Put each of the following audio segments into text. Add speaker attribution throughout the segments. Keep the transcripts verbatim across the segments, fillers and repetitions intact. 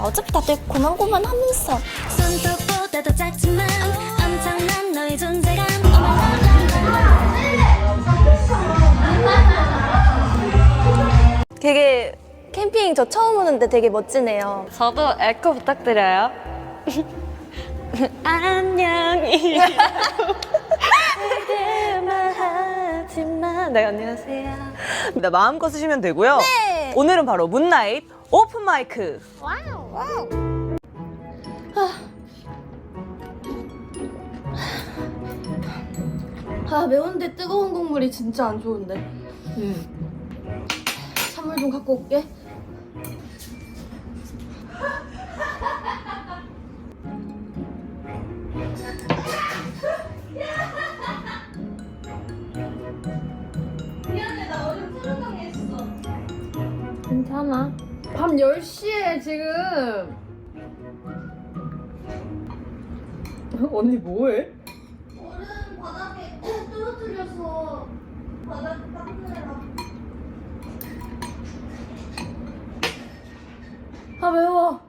Speaker 1: 어차피 다들 고만고만하면서.
Speaker 2: 손톱보다도 작지만 엄청난 너의 존재감.
Speaker 1: 되게 캠핑 저 처음 오는데 되게 멋지네요.
Speaker 3: 저도 에코 부탁드려요. 안녕히. 하지만 네, 안녕하세요.
Speaker 4: 네, 마음껏 쓰시면 되고요.
Speaker 1: 네.
Speaker 4: 오늘은 바로 문나잇 오픈 마이크.
Speaker 1: 와우. 아 매운데 뜨거운 국물이 진짜 안 좋은데. 음. 찬물 좀 갖고 올게. 괜찮아. 밤 열 시에 지금.
Speaker 4: 언니 뭐해?
Speaker 1: 얼음 바닥에 떨어뜨려서 바닥 닦느라. 아 매워.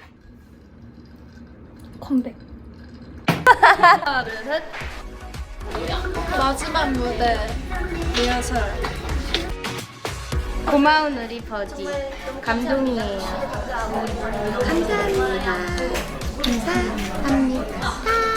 Speaker 1: 컴백. 하나 둘 셋. 마지막 무대 리허설.
Speaker 5: 고마운 우리 버디 감동이에요. 감사합니다. 감사합니다.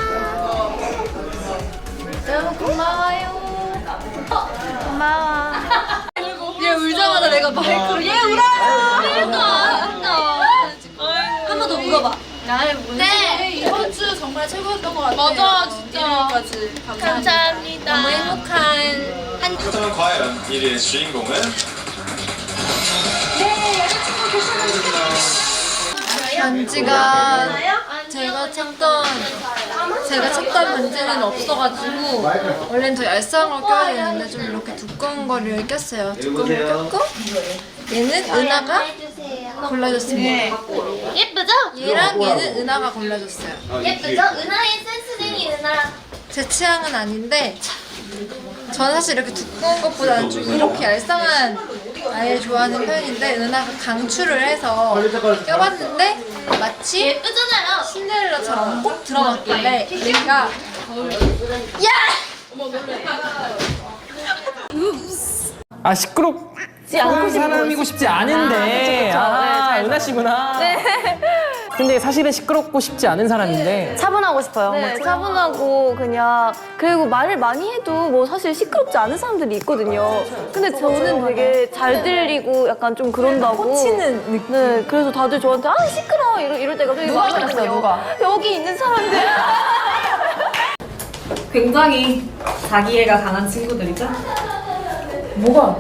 Speaker 1: 너무 고마워요. 고마워. 얘 울자마자 내가 마이크로 얘 울어요. 그러니까. 한 번 더 울어봐. 네.
Speaker 6: 이번 주 정말 최고였던 것 같아요.
Speaker 1: 맞아, 진짜.
Speaker 6: 일요일까지 감사합니다.
Speaker 1: 감사합니다. 너무 행복한 한.
Speaker 7: 그렇다면 과연 일 위의 주인공은?
Speaker 6: 반지가 제가 찾던 제가 찾던 반지는 없어가지고 원래는 더 얄쌍한 걸 껴야 되는데 좀 이렇게 두꺼운 거를 꼈어요. 두꺼운 걸 꼈고 얘는 은하가 골라줬습니다.
Speaker 1: 예쁘죠?
Speaker 6: 얘랑 얘는 은하가 골라줬어요.
Speaker 1: 예쁘죠? 은하의 센스쟁이 은하.
Speaker 6: 제 취향은 아닌데 저는 사실 이렇게 두꺼운 것보다는 좀 이렇게 얄쌍한 아이를 좋아하는 편인데 은하가 강추를 해서 껴봤는데 마치
Speaker 1: 예쁘잖아요.
Speaker 6: 신데렐라처럼 꼭 들어맞길래 얘가
Speaker 8: 아 시끄럽지 않고 사람이고 싶지 않은데 아, 은하 씨구나. 근데 사실은 시끄럽고 싶지 않은 사람인데
Speaker 3: 차분하고 싶어요.
Speaker 1: 네, 차분하고 그냥 그리고 말을 많이 해도 뭐 사실 시끄럽지 않은 사람들이 있거든요. 근데 저는 되게 잘 들리고 약간 좀 그런다고.
Speaker 3: 꽂히는 느낌.
Speaker 1: 네, 그래서 다들 저한테 아 시끄러워 이럴, 이럴 때가 되게
Speaker 3: 누가
Speaker 1: 많거든요.
Speaker 3: 그랬어요, 누가?
Speaker 1: 여기 있는 사람들.
Speaker 3: 굉장히 자기애가 강한 친구들이죠? 뭐가?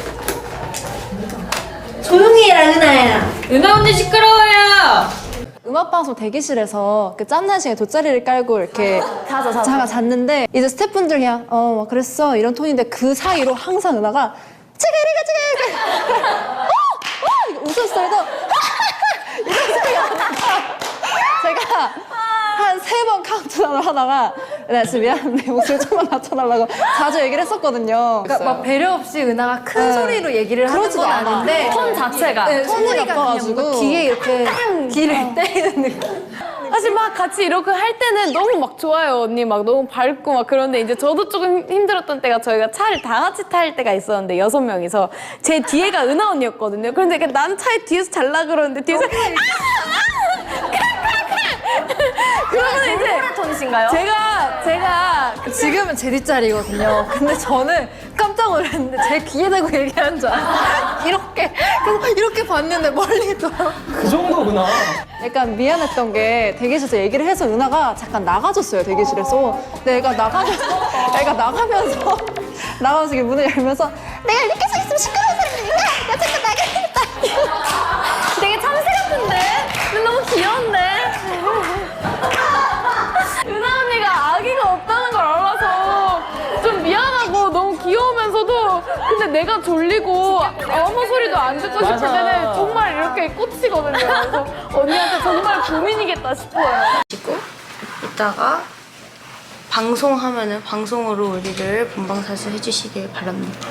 Speaker 1: 조용히 해라 은하야.
Speaker 3: 은하 언니 시끄러워요!
Speaker 9: 음악방송 대기실에서 그 짬난 시간에 돗자리를 깔고 이렇게
Speaker 1: 자자 자자.
Speaker 9: 자가 잤는데 이제 스태프분들 그냥 어 막 그랬어 이런 톤인데 그 사이로 항상 은하가 치그리가 치그리가 어! 어! 이거 웃었어요. 이런 소리가 나니까 제가 한 세 번 카운트다운을 하다가 네, 진짜 미안한데 목소리 좀만 낮춰달라고 자주 얘기를 했었거든요.
Speaker 6: 그러니까 막 배려 없이 은하가 큰
Speaker 9: 네.
Speaker 6: 소리로 얘기를 하는
Speaker 9: 그러지도
Speaker 6: 건
Speaker 9: 않아.
Speaker 6: 아닌데
Speaker 3: 톤 자체가.
Speaker 9: 네, 톤이
Speaker 6: 소리가 그냥
Speaker 9: 나빠가지고
Speaker 6: 뭔가 귀에 이렇게 귀를 때리는 느낌.
Speaker 3: 사실 막 같이 이렇게 할 때는 너무 막 좋아요. 언니 막 너무 밝고 막 그런데 이제 저도 조금 힘들었던 때가 저희가 차를 다 같이 탈 때가 있었는데 여섯 명이서 제 뒤에가 은하 언니였거든요. 그런데 이렇게 난 차에 뒤에서 잘라 그러는데 뒤에서 그러면 이제
Speaker 1: 톤이신가요?
Speaker 9: 제가 제가 지금은 제 뒷자리거든요. 근데 저는 깜짝 놀랐는데 제 귀에 대고 얘기하는 줄 알았어요. 이렇게 그래서 이렇게 봤는데 멀리 있더라고.
Speaker 8: 그 정도구나.
Speaker 9: 약간 미안했던 게 대기실에서 얘기를 해서 은하가 잠깐 나가줬어요 대기실에서. 근데 애가 나가면서 애가 나가면서 나가면서 이렇게 문을 열면서 내가 이렇게 서 있으면 시끄러운 사람이니까 나 잠깐 나가야겠다.
Speaker 1: 되게 참새 같은데? 근데 너무 귀여운데?
Speaker 3: 은하 언니가 아기가 없다는 걸 알아서 좀 미안하고 너무 귀여우면서도 근데 내가 졸리고 아무 소리도 안 듣고 싶을
Speaker 8: 맞아.
Speaker 3: 때는 정말 이렇게 꽂히거든요. 그래서 언니한테 정말 고민이겠다 싶어요.
Speaker 5: 이따가 방송하면은 방송으로 우리를 본방사수 해주시길 바랍니다.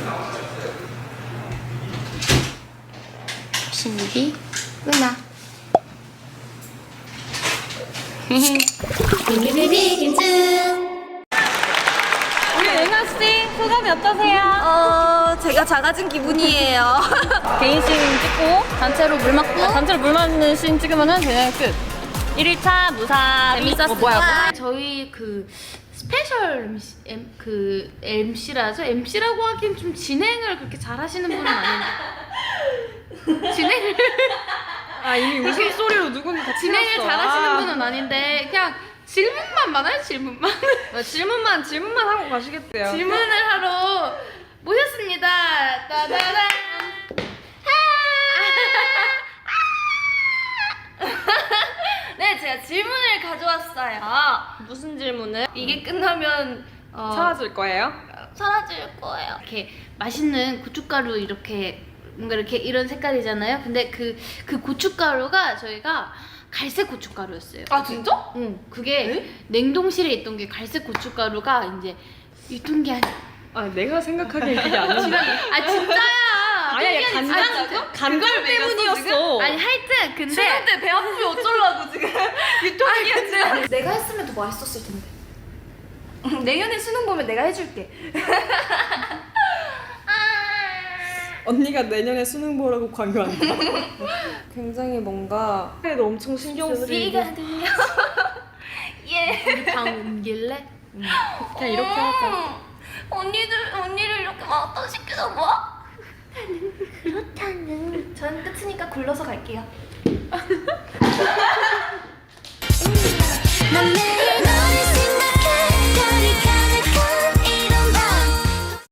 Speaker 5: 신입이 은하.
Speaker 2: 비비비비 김치.
Speaker 3: 우리 은하 씨 소감이 어떠세요?
Speaker 1: 어, 제가 작아진 기분이에요.
Speaker 3: 개인 씬 찍고 단체로 물 맞고 단체로 물 맞는 씬 찍으면은 그냥 끝. 일 일차 무사 재밌었어. 뭐야?
Speaker 5: 저희 그 스페셜 엠씨, 엠, 그 엠씨라죠? 엠씨라고 하기엔 좀 진행을 그렇게 잘하시는 분은 아닌데 진행을
Speaker 6: 아 이미 웃음소리로 누군가
Speaker 5: 진행을 잘하시는 분은 아닌데 그냥 질문만 많아요. 질문만
Speaker 6: 질문만 질문만 하고 가시겠대요.
Speaker 5: 질문을 하러 모셨습니다. 따다란. 네, 제가 질문을 가져왔어요.
Speaker 3: 무슨 질문을?
Speaker 5: 이게 끝나면 어,
Speaker 6: 사라질 거예요?
Speaker 5: 사라질 거예요. 이렇게 맛있는 고춧가루 이렇게 뭔가 이렇게 이런 색깔이잖아요. 근데 그 그 고춧가루가 저희가 갈색 고춧가루였어요.
Speaker 1: 아, 진짜?
Speaker 5: 응. 그게 냉동실에 있던 게 갈색 고춧가루가 이제 유통기한.
Speaker 6: 아 내가 생각하기엔 그게 아니야.
Speaker 5: 아 진짜야.
Speaker 6: 아니야,
Speaker 5: 유통기한이
Speaker 6: 간장
Speaker 5: 지났어.
Speaker 6: 간장 때문이었어.
Speaker 5: 아니 하여튼 근데
Speaker 1: 수능 때 배 아프면 어쩌려고 지금. 유통기한 지났
Speaker 5: 내가 했으면 더 맛있었을 텐데.
Speaker 1: 내년에 수능 보면 내가 해줄게.
Speaker 6: 언니가 내년에 수능 보라고 강요한다. 굉장히 뭔가 그래도 엄청 신경 쓰이고
Speaker 5: 소리가 들려. 예. 우리 방 옮길래?
Speaker 6: 그냥 이렇게 하자.
Speaker 1: 언니들, 언니를 이렇게 막어시키는 거야?
Speaker 5: 그렇다는.
Speaker 1: 전 끝이니까 굴러서 갈게요.
Speaker 2: 넌 내